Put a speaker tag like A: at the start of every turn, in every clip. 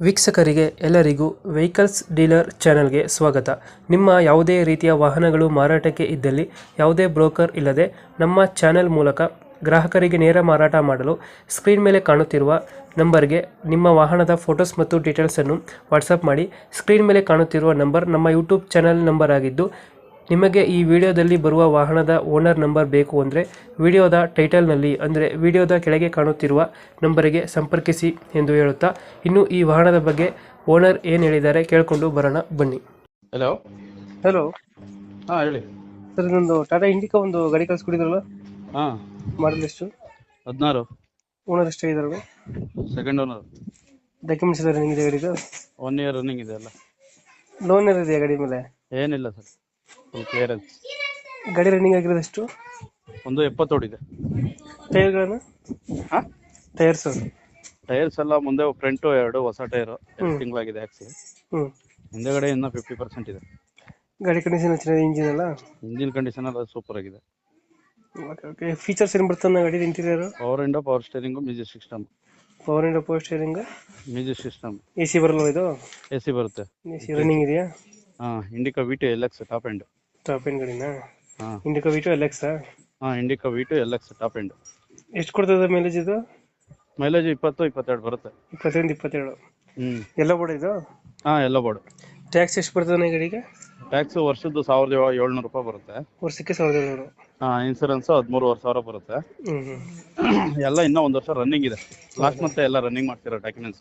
A: ವೀಕ್ಷಕರಿಗೆ ಎಲ್ಲರಿಗೂ vehicles dealer ಚಾನೆಲ್ಗೆ ಸ್ವಾಗತ. ನಿಮ್ಮ ಯಾವುದೇ ರೀತಿಯ ವಾಹನಗಳು ಮಾರಾಟಕ್ಕೆ ಇದ್ದಲ್ಲಿ ಯಾವುದೇ ಬ್ರೋಕರ್ ಇಲ್ಲದೆ ನಮ್ಮ ಚಾನೆಲ್ ಮೂಲಕ ಗ್ರಾಹಕರಿಗೆ ನೇರ ಮಾರಾಟ ಮಾಡಲು ಸ್ಕ್ರೀನ್ ಮೇಲೆ ಕಾಣುತ್ತಿರುವ ನಂಬರ್ಗೆ ನಿಮ್ಮ ವಾಹನದ ಫೋಟೋಸ್ ಮತ್ತು ಡೀಟೇಲ್ಸನ್ನು ವಾಟ್ಸಪ್ ಮಾಡಿ. ಸ್ಕ್ರೀನ್ ಮೇಲೆ ಕಾಣುತ್ತಿರುವ ನಂಬರ್ ನಮ್ಮ ಯೂಟ್ಯೂಬ್ ಚಾನೆಲ್ ನಂಬರ್ ಆಗಿದ್ದು, ನಿಮಗೆ ಈ ವಿಡಿಯೋದಲ್ಲಿ ಬರುವ ವಾಹನದ ಓನರ್ ನಂಬರ್ ಬೇಕು ಅಂದರೆ ವಿಡಿಯೋದ ಟೈಟಲ್ನಲ್ಲಿ ಅಂದರೆ ವಿಡಿಯೋದ ಕೆಳಗೆ ಕಾಣುತ್ತಿರುವ ನಂಬರಿಗೆ ಸಂಪರ್ಕಿಸಿ ಎಂದು ಹೇಳುತ್ತಾ, ಇನ್ನು ಈ ವಾಹನದ ಬಗ್ಗೆ ಓನರ್ ಏನು ಹೇಳಿದ್ದಾರೆ ಕೇಳಿಕೊಂಡು ಬರೋಣ ಬನ್ನಿ.
B: ಹಲೋ.
A: ಹಲೋ
B: ಹಾಂ ಹೇಳಿ
A: ಸರ್, ಇದೊಂದು ಟಾಟಾ ಇಂಡಿಕಾ ಒಂದು ಗಾಡಿ ಕಳಿಸ್ಕೊಡಿದ್ರಲ್ಲ,
B: ಹಾಂ
A: ಮಾಡಲ್ ಎಷ್ಟು?
B: 16
A: ಓನರ್ ಎಷ್ಟಾಗಿದ್ದಾರೆ?
B: Second owner.
A: ಡಾಕ್ಯುಮೆಂಟ್ಸ್ ಇದೆ ರನ್ನಿಂಗ್ ಇದೆ ಗಾಡಿದು?
B: 1 ಇಯರ್ ರನ್ನಿಂಗ್ ಇದೆ ಅಲ್ಲ.
A: ಲೋನ್ ಇದೆಯಾ ಗಾಡಿ ಮೇಲೆ?
B: ಏನಿಲ್ಲ ಸರ್, ಫುಲ್ ಕ್ಲಿಯರೆನ್ಸ್.
A: ಗಾಡಿ ರನ್ನಿಂಗ್ ಆಗಿರೋದು ಎಷ್ಟು?
B: ಒಂದು 70 ಓಡಿದೆ.
A: ಟೈರ್ಗಳನ್ನು?
B: ಹಾಂ,
A: ಟೈರ್ಸ್
B: ಟೈರ್ಸ್ ಎಲ್ಲ ಮುಂದೆ ಫ್ರಂಟು 2 ಹೊಸ ಟೈರು 2 ತಿಂಗಳಾಗಿದೆ ಹಾಕ್ಸಿ. ಹಿಂದೆಗಡೆ ಇನ್ನೂ 50% ಇದೆ.
A: ಗಾಡಿ ಕಂಡೀಷನ್ ಚೆನ್ನಾಗಿದೆ, ಇಂಜಿನ್ ಎಲ್ಲ?
B: ಇಂಜಿನ್ ಕಂಡೀಷನ್ ಎಲ್ಲ ಸೂಪರ್ ಆಗಿದೆ.
A: ಓಕೆ. ಫೀಚರ್ಸ್ ಏನು ಬರ್ತದೆ ಗಾಡಿ interior?
B: Power window, power steering, music system.
A: Power window, power steering,
B: music system.
A: A C ಬರಲ್ಲ ಇದು?
B: ಎ ಸಿ ಬರುತ್ತೆ.
A: ಎ ಸಿ ರನ್ನಿಂಗ್ ಇದೆಯಾ?
B: ಹಾಂ, Indica V2 LX top end.
A: Top end ಗಾಡಿನಾ?
B: ಹಾಂ,
A: ಇಂಡಿಕಾ V2 LX?
B: ಹಾಂ, Indica V2 LX top end.
A: ಎಷ್ಟು ಕೊಡ್ತದೆ ಮೈಲೇಜ್ ಇದು?
B: ಮೈಲೇಜ್ 20-22 ಬರುತ್ತೆ.
A: 21-22. ಎಲ್ಲ ಬೋರ್ಡ್ ಇದು?
B: ಹಾಂ, ಎಲ್ಲ ಬೋರ್ಡ್.
A: ಟ್ಯಾಕ್ಸ್ ಎಷ್ಟು ಬರ್ತದೆ ಗಾಡಿಗೆ?
B: ಟ್ಯಾಕ್ಸ್ ವರ್ಷದ್ದು 1700 ರೂಪಾಯಿ ಬರುತ್ತೆ.
A: ವರ್ಷಕ್ಕೆ 1700?
B: ಹಾಂ, ಇನ್ಸೂರೆನ್ಸ್ 13,500 ಬರುತ್ತೆ. ಎಲ್ಲ ಇನ್ನೂ 1 ವರ್ಷ ರನ್ನಿಂಗ್ ಇದೆ. ಲಾಸ್ಟ್ ಮತ್ತೆ ಎಲ್ಲ ರನ್ನಿಂಗ್ ಮಾಡ್ತಿರೋ ಡಾಕ್ಯುಮೆಂಟ್ಸ್.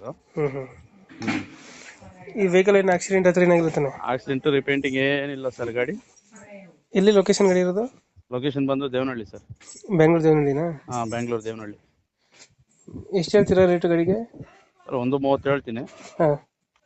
A: ಈ ವೆಹಿಕಲ್ ಏನು ಆಕ್ಸಿಡೆಂಟ್ ಹತ್ರ ಏನಾಗಿರುತ್ತಾನೆ?
B: ಆಕ್ಸಿಡೆಂಟ್, ರಿಪೇಂಟಿಂಗ್ ಏನಿಲ್ಲ ಸರ್. ಗಾಡಿ
A: ಎಲ್ಲಿ ಲೊಕೇಶನ್ ಗಾಡಿ ಇರೋದು?
B: ಲೊಕೇಶನ್ ಬಂದು ದೇವನಹಳ್ಳಿ ಸರ್.
A: ಬೆಂಗಳೂರು ದೇವನಹಳ್ಳಿನಾ?
B: ಹಾಂ, ಬೆಂಗಳೂರು ದೇವನಹಳ್ಳಿ.
A: ಎಷ್ಟು ಹೇಳ್ತೀರಾ ರೇಟು ಗಾಡಿಗೆ?
B: ಸರ್ 1.30 ಹೇಳ್ತೀನಿ.
A: ಹಾಂ,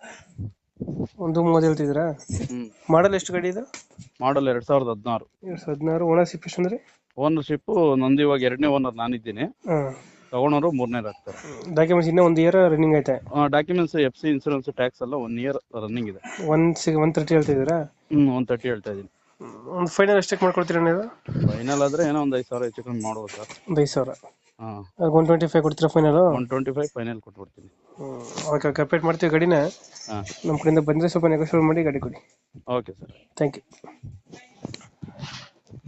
A: 1.30 ಹೇಳ್ತಿದ್ದೀರಾ? ಮಾಡಲ್ ಎಷ್ಟು ಗಾಡಿ ಇದು?
B: ಮಾಡಲ್ 2016.
A: 2016. ಓನರ್ಶಿಪ್ ಎಷ್ಟು ಅಂದರೆ?
B: ಓನರ್ಶಿಪ್ಪು ನಂದು ಇವಾಗ 2ನೇ ಓನರ್ ನಾನಿದ್ದೀನಿ.
A: ಹಾಂ,
B: ತಗೊಂಡವರು 3ನೇ ಆಗ್ತಾರೆ.
A: ಡಾಕ್ಯುಮೆಂಟ್ಸ್ ಇನ್ನೂ 1 ಇಯರ್ ರನ್ನಿಂಗ್ ಐತೆ?
B: ಡಾಕ್ಯುಮೆಂಟ್ಸ್ FC, ಇನ್ಸೂರೆನ್ಸ್, ಟ್ಯಾಕ್ಸ್ ಎಲ್ಲ 1 ಇಯರ್ ರನ್ನಿಂಗ್ ಇದೆ.
A: 130 ಹೇಳ್ತಿದ್ದೀರಾ?
B: 130 ಹೇಳ್ತಾ ಇದ್ದೀನಿ.
A: ಒಂದು ಫೈನಲ್ ಎಷ್ಟಕ್ಕೆ ಮಾಡ್ಕೊಡ್ತೀರಾ ನೀವು?
B: ಫೈನಲ್ ಆದರೆ ಏನೋ ಒಂದು 5,000 ಹೆಚ್ಚು ಕಮ್ಮಿ ಮಾಡ್ಬೋದು ಸರ್.
A: ಒಂದು 5,000?
B: ಹಾಂ,
A: 125 ಕೊಡ್ತೀರಾ ಫೈನಲು?
B: 125 ಫೈನಲ್ ಕೊಟ್ಬಿಡ್ತೀನಿ.
A: ಓಕೆ, ಅಪ್ಡೇಟ್ ಮಾಡ್ತೀವಿ ಗಾಡಿನ.
B: ಹಾಂ,
A: ನಮ್ಮ ಕಡೆಯಿಂದ ಬಂದರೆ ಸ್ವಲ್ಪ ನೆಗೋಷಿಯೇಟ್ ಮಾಡಿ ಗಾಡಿ ಕೊಡಿ.
B: Okay sir,
A: thank you.